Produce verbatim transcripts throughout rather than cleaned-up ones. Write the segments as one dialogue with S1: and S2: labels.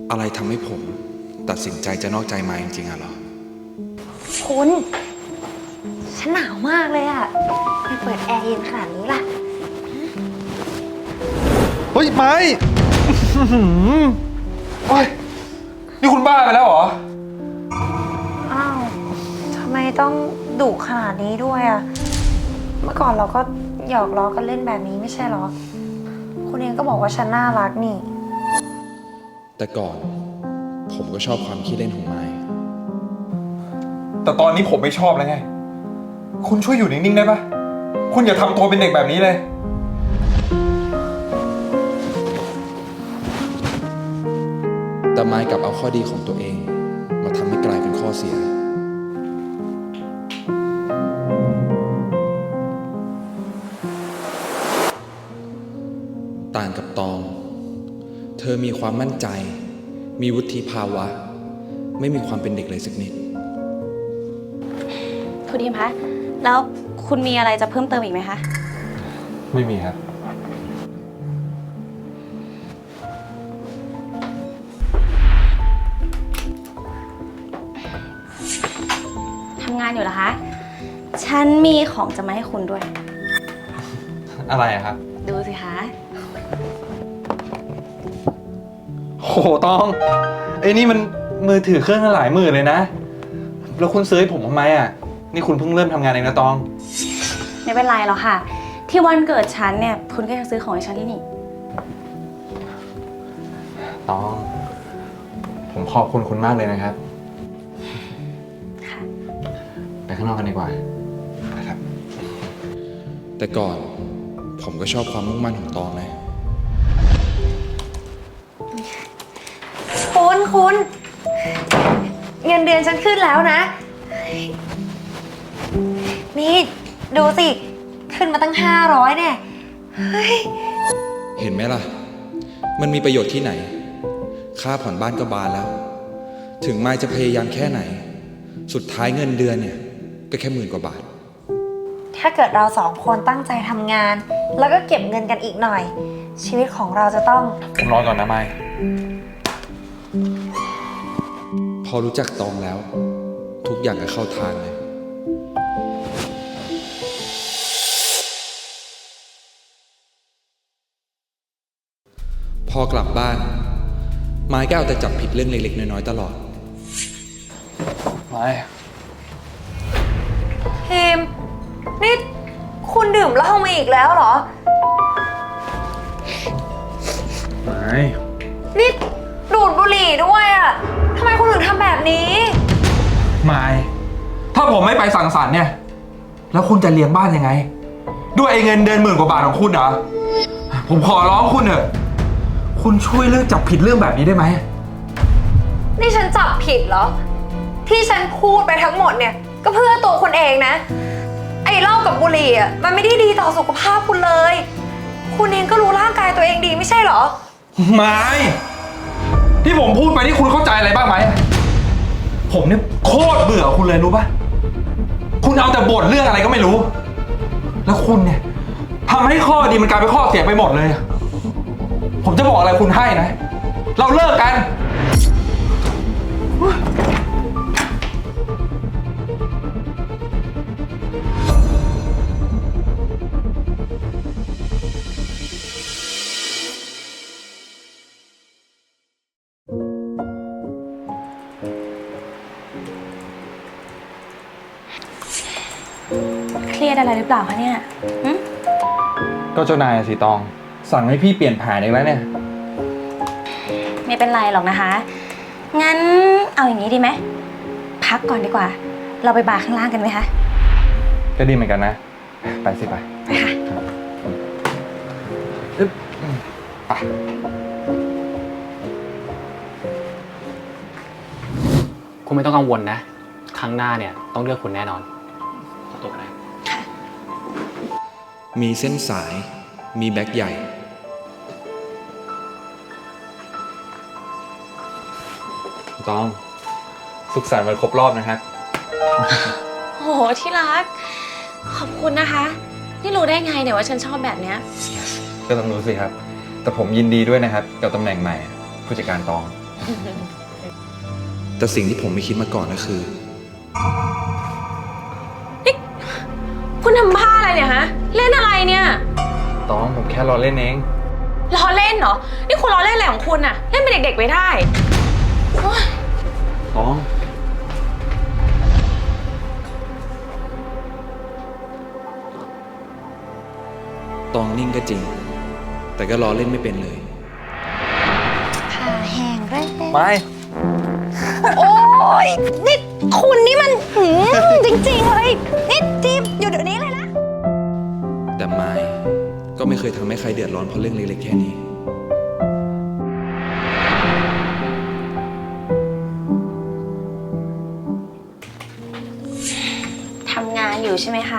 S1: อะไรทำให้ผมตัดสินใจจะนอกใจมาจริงๆอะเหรอ
S2: คุณ ฉันหนาวมากเลยอะไปเปิดแอร์เย็นขนาดนี้ล่ะ
S3: เฮ้ยไม้โอ้ยนี่คุณบ้าไปแล้วเหรอ
S2: อ้าวทำไมต้องดุขนาดนี้ด้วยอะเมื่อก่อนเราก็หยอกล้อกันเล่นแบบนี้ไม่ใช่หรอคุณเองก็บอกว่าฉันน่ารักนี่
S1: แต่ก่อนผมก็ชอบความขี้เล่นของไม้
S3: แต่ตอนนี้ผมไม่ชอบแล้วไงคุณช่วยอยู่นิ่งๆได้ปะคุณอย่าทำตัวเป็นเด็กแบบนี้เลย
S1: แต่ไม้กลับเอาข้อดีของตัวเองมาทำให้กลายเป็นข้อเสียต่างกับตองเธอมีความมั่นใจมีวุฒิภาวะไม่มีความเป็นเด็กเลยสักนิด
S4: คุณทีมคะแล้วคุณมีอะไรจะเพิ่มเติมอีกไหมคะ
S3: ไม่มีครับ
S4: ทำงานอยู่เหรอคะฉันมีของจะมาให้คุณด้วย
S3: อะไรอะครับ
S4: ดูสิคะ
S3: โหตองไอ้นี่มันมือถือเครื่องละหลายหมื่นเลยนะแล้วคุณซื้อให้ผมทำไมอ่ะนี่คุณเพิ่งเริ่มทำงานเองนะตอง
S4: ไม่เป็นไรหรอกค่ะที่วันเกิดฉันเนี่ยคุณก็ยังซื้อของให้ฉันที่นี่
S3: ตองผมขอบคุณคุณมากเลยนะครับ
S4: ค่ะ
S3: ไปข้างนอกกันดีกว่านะครับ
S1: แต่ก่อนผมก็ชอบความมุ่งมั่นของตองนะ
S2: คุณคุณเงินเดือนฉันขึ้นแล้วนะนี่ดูสิขึ้นมาตั้งห้าร้อยเนี่ยเฮ้ย
S1: เห็นไหมล่ะมันมีประโยชน์ที่ไหนค่าผ่อนบ้านก็บานแล้วถึงไม้จะพยายามแค่ไหนสุดท้ายเงินเดือนเนี่ยก็แค่หมื่นกว่าบาท
S2: ถ้าเกิดเราสองคนตั้งใจทำงานแล้วก็เก็บเงินกันอีกหน่อยชีวิตของเราจะต้อง
S3: ผมรอก่อนนะไม้
S1: พอรู้จักตองแล้วทุกอย่างก็เข้าทางเลยพอกลับบ้านไม้ก็เอาแต่จับผิดเรื่องเล็กๆน้อยๆตลอด
S3: ไม้
S2: ทีมนี่คุณดื่มเหล้ามาอีกแล้วเหรอ
S3: ไม่
S2: นี่ดูดบุหรี่ด้วยอ่ะทำไมคุณถึงทำแบบนี้
S3: ไม่ถ้าผมไม่ไปสังสรรค์เนี่ยแล้วคุณจะเลี้ยงบ้านยังไงด้วยไอ้เงินเดือนหมื่นกว่าบาทของคุณเหรอผมขอร้องคุณเถอะคุณช่วยเลิกจับผิดเรื่องแบบนี้ได้ไหม
S2: นี่ฉันจับผิดเหรอที่ฉันพูดไปทั้งหมดเนี่ยก็เพื่อตัวคุณเองนะไอ้เหล้ากับบุหรี่อ่ะมันไม่ได้ดีต่อสุขภาพคุณเลยคุณเองก็รู้ร่างกายตัวเองดีไม่ใช่เหรอ
S3: ไม่ที่ผมพูดไปนี่คุณเข้าใจอะไรบ้างไหมผมเนี่ยโคตรเบื่อคุณเลยรู้ปะคุณเอาแต่บ่นเรื่องอะไรก็ไม่รู้แล้วคุณเนี่ยทำให้ข้อดีมันกลายเป็นข้อเสียไปหมดเลยผมจะบอกอะไรคุณให้นะเราเลิกกัน
S4: เครียดอะไรหรือเปล่าคะเนี่ย
S3: ก็เจ้านายสิตองสั่งให้พี่เปลี่ยนแผนอีกแล้วเนี่ย
S4: ไม่เป็นไรหรอกนะคะงั้นเอาอย่างนี้ดีไหมพักก่อนดีกว่าเราไปบาร์ข้างล่างกันไหมคะ
S3: ก็ดีเหมือนกันนะไปสิไป
S4: ไปค่ะ
S3: ไป
S5: คุณไม่ต้องกังวลนะครั้งหน้าเนี่ยต้องเลือกคุณแน่นอนขอตัวกันนะ
S1: มีเส้นสายมีแบ็คใหญ่
S3: ตองสุขสันต์วันครบรอบนะครับ
S4: โหที่รักขอบคุณนะคะนี่รู้ได้ไงเนี่ยว่าฉันชอบแบบเนี้ย
S3: ก็ต้องรู้สิครับแต่ผมยินดีด้วยนะครับกับตำแหน่งใหม่ผู้จัดการตอง
S1: แต่สิ่งที่ผมไม่คิดมาก่อนก็คือ
S4: คุณทำบ้าอะไรเนี่ยฮะ เล่นอะไรเนี่ย
S3: ตองผมแค่รอเล่นเอง
S4: ล้อเล่นเหรอ นี่คุณล้อเล่นอะไรของคุณอะเล่นเป็นเด็กๆไปได้โอ๊ย
S3: ตอง
S1: ตองนิ่งก็จริง แต่ก็ล้อเล่นไม่เป็นเลย
S2: ผ้าแห้งเลย
S3: ไม่
S2: โอ้ยนี่คุณนี่มันหืมจริงๆเลยนี่จีบอยู่เดี๋ยวนี้เลยนะ
S1: แต่ไม้ก็ไม่เคยทำให้ใครเดือดร้อนเพราะเรื่องเล็กๆแค่นี้
S4: ทำงานอยู่ใช่ไหมคะ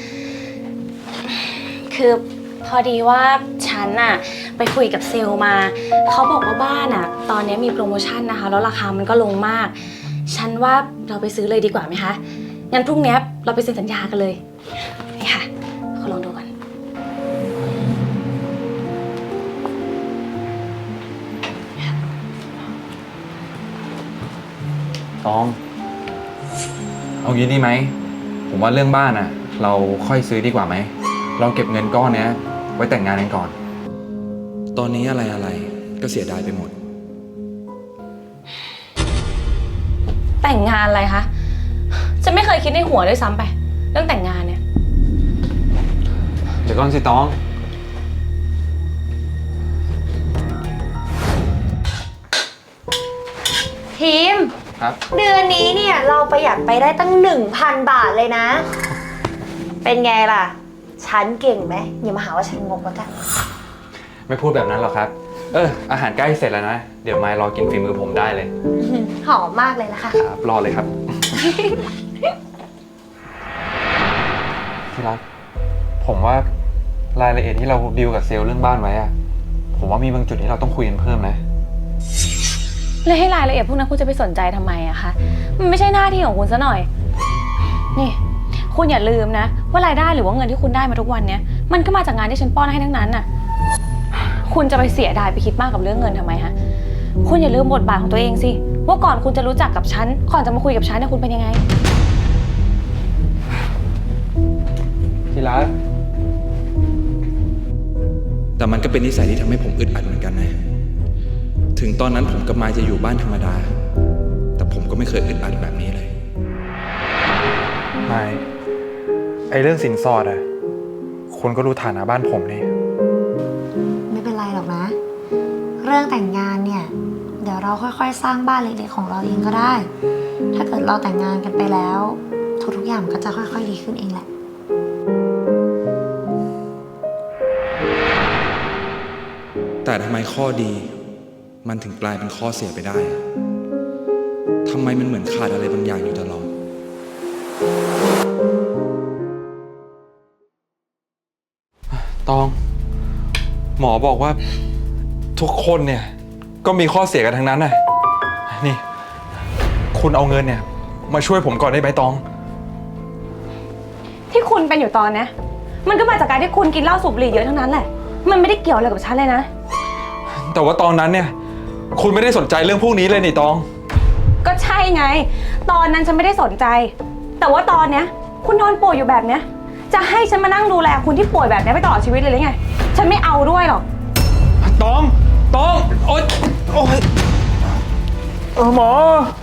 S4: คือพอดีว่าฉันอะไปคุยกับเซลล์มา เขาบอกว่าบ้านอะตอนนี้มีโปรโมชั่นนะคะ แล้วราคามันก็ลงมาก ฉันว่าเราไปซื้อเลยดีกว่าไหมคะ งั้นพรุ่งนี้เราไปเซ็นสัญญากันเลย นี่ค่ะขอลองดูก่อน
S3: ตอง เอางี้ดีไหม ผมว่าเรื่องบ้านอ่ะ เราค่อยซื้อดีกว่าไหม เราเก็บเงินก้อนเนี้ยไว้แต่งงานกันก่อน
S1: ตอนนี้อะไรๆก็เสียดายไปหมด
S4: แต่งงานอะไรคะฉันไม่เคยคิดในหัวด้วยซ้ำไป เรื่องแต่งงานเนี่ย
S3: เดี๋ยวก่อนสิตอง
S2: ทีม
S3: ครับ
S2: เดือนนี้เนี่ยเราประหยัดไปได้ตั้งหนึ่งพันบาทเลยนะ เป็นไงล่ะ ฉันเก่งไหมอย่ามาหาว่าฉันงกแล้วกัน
S3: ไม่พูดแบบนั้นหรอกครับ เออ อาหารใกล้เสร็จแล้วนะ เดี๋ยวมายรอกินฝีมือผมได้เลย
S2: หอมมากเลยนะคะ
S3: ครับ รอเลยครับ ที่รัก ผมว่ารายละเอียดที่เราดีลกับเซลล์เรื่องบ้านไว้อะผมว่ามีบางจุดที่เราต้องคุยกันเพิ่มนะ
S4: แล้วให้รายละเอียดพวกนั้นคุณจะไปสนใจทำไมอะคะ มันไม่ใช่หน้าที่ของคุณซะหน่อย นี่ คุณอย่าลืมนะ ว่ารายได้หรือว่าเงินที่คุณได้มาทุกวันเนี้ยมันก็มาจากงานที่ฉันป้อนให้ทั้งนั้นน่ะ คุณจะไปเสียดายไปคิดมากกับเรื่องเงินทำไมฮะ คุณอย่าลืมบทบาทของตัวเองสิ ว่าก่อนคุณจะรู้จักกับฉัน ก่อนจะมาคุยกับฉันเนี่ยคุณเป็นยังไง
S3: ที่รัก
S1: แต่มันก็เป็นนิสัยที่ทำให้ผมอึดอัดเหมือนกันนะ ถึงตอนนั้นผมกับมายจะอยู่บ้านธรรมดา แต่ผมก็ไม่เคยอึดอัดแบบนี้เลย
S3: ไม่ ไอเรื่องสินสอดอะคนก็รู้ฐานะบ้านผมนี่
S2: ไม่เป็นไรหรอกนะ เรื่องแต่งงานเนี่ย เดี๋ยวเราค่อยๆ สร้างบ้านเล็กๆของเราเองก็ได้ ถ้าเกิดเราแต่งงานกันไปแล้ว ทุกๆอย่างมันก็จะค่อยๆดีขึ้นเองแหละ
S1: แต่ทำไมข้อดี มันถึงกลายเป็นข้อเสียไปได้ ทำไมมันเหมือนขาดอะไรบางอย่างอยู่ตลอด
S3: ตอง หมอบอกว่าทุกคนเนี่ย ก็มีข้อเสียกันทั้งนั้นน่ะ นี่ คุณเอาเงินเนี่ย มาช่วยผมก่อนได้ไหมตอง
S4: ที่คุณเป็นอยู่ตอนเนี้ยมันก็มาจากการที่คุณกินเหล้าสูบบุหรี่เยอะทั้งนั้นแหละ มันไม่ได้เกี่ยวอะไรกับฉันเลยนะ
S3: แต่ว่าตอนนั้นเนี่ย คุณไม่ได้สนใจเรื่องพวกนี้เลยนี่ตอง
S4: ก็ใช่ไง ตอนนั้นฉันไม่ได้สนใจ แต่ว่าตอนเนี้ยคุณนอนป่วยอยู่แบบเนี้ย จะให้ฉันมานั่งดูแลคุณที่ป่วยแบบเนี้ยไปตลอดชีวิตเลยหรือไง ฉันไม่เอาด้วยหรอก
S3: ตอง ตอง โอ๊ย โอ๊ยเออหมอ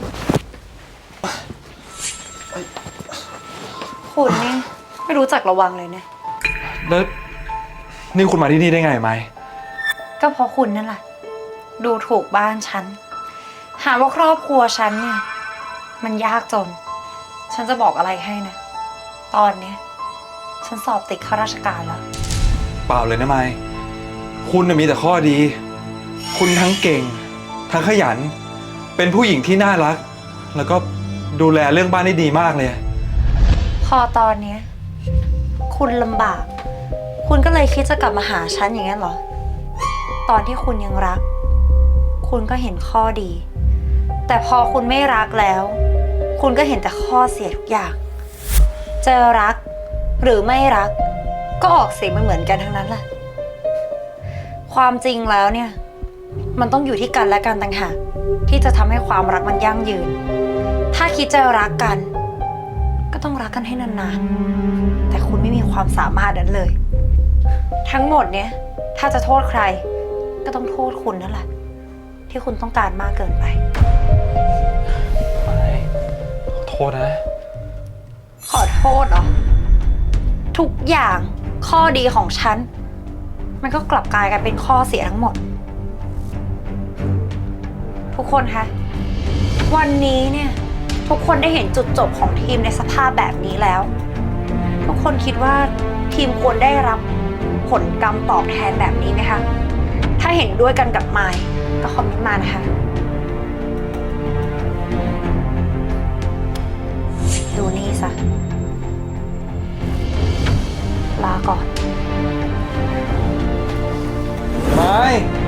S2: คุณนี่ไม่รู้จักระวังเลยนะ
S3: แล้วนี่คุณมาที่นี่ได้ไงไหม
S2: ก็เพราะคุณนั่นแหละ ดูถูกบ้านฉัน หาว่าครอบครัวฉันเนี่ย มันยากจน ฉันจะบอกอะไรให้นะ ตอนเนี้ยฉันสอบติดข้าราชการแล้ว
S3: เปล่าเลยนะไมค์คุณน่ะมีแต่ข้อดี คุณทั้งเก่ง ทั้งขยัน เป็นผู้หญิงที่น่ารัก แล้วก็ดูแลเรื่องบ้านได้ดีมากเลย
S2: พอตอนเนี้ยคุณลำบาก คุณก็เลยคิดจะกลับมาหาฉันอย่างนั้นเหรอ ตอนที่คุณยังรัก คุณก็เห็นข้อดี แต่พอคุณไม่รักแล้ว คุณก็เห็นแต่ข้อเสียทุกอย่าง เจอรักหรือไม่รัก ก็ออกเสียงมันเหมือนกันทั้งนั้นแหละ ความจริงแล้วเนี่ยมันต้องอยู่ที่กันและกันต่างหากที่จะทำให้ความรักมันยั่งยืน ถ้าคิดจะรักกัน ก็ต้องรักกันให้นานๆ แต่คุณไม่มีความสามารถนั้นเลย ทั้งหมดเนี้ยถ้าจะโทษใคร ก็ต้องโทษคุณนั่นแหละ ที่คุณต้องการมากเกินไป
S3: ไม่ขอโทษนะ
S2: ขอโทษเหรอ ทุกอย่างข้อดีของฉัน มันก็กลับกลายกลายเป็นข้อเสียทั้งหมด ทุกคนคะ วันนี้เนี่ยทุกคนได้เห็นจุดจบของทีมในสภาพแบบนี้แล้ว ทุกคนคิดว่าทีมควรได้รับผลกรรมตอบแทนแบบนี้ไหมคะ ถ้าเห็นด้วยกันกับไมค์ก็คอมเมนต์มานะคะ ดูนี่ซะ ลาก่อน
S3: ไม่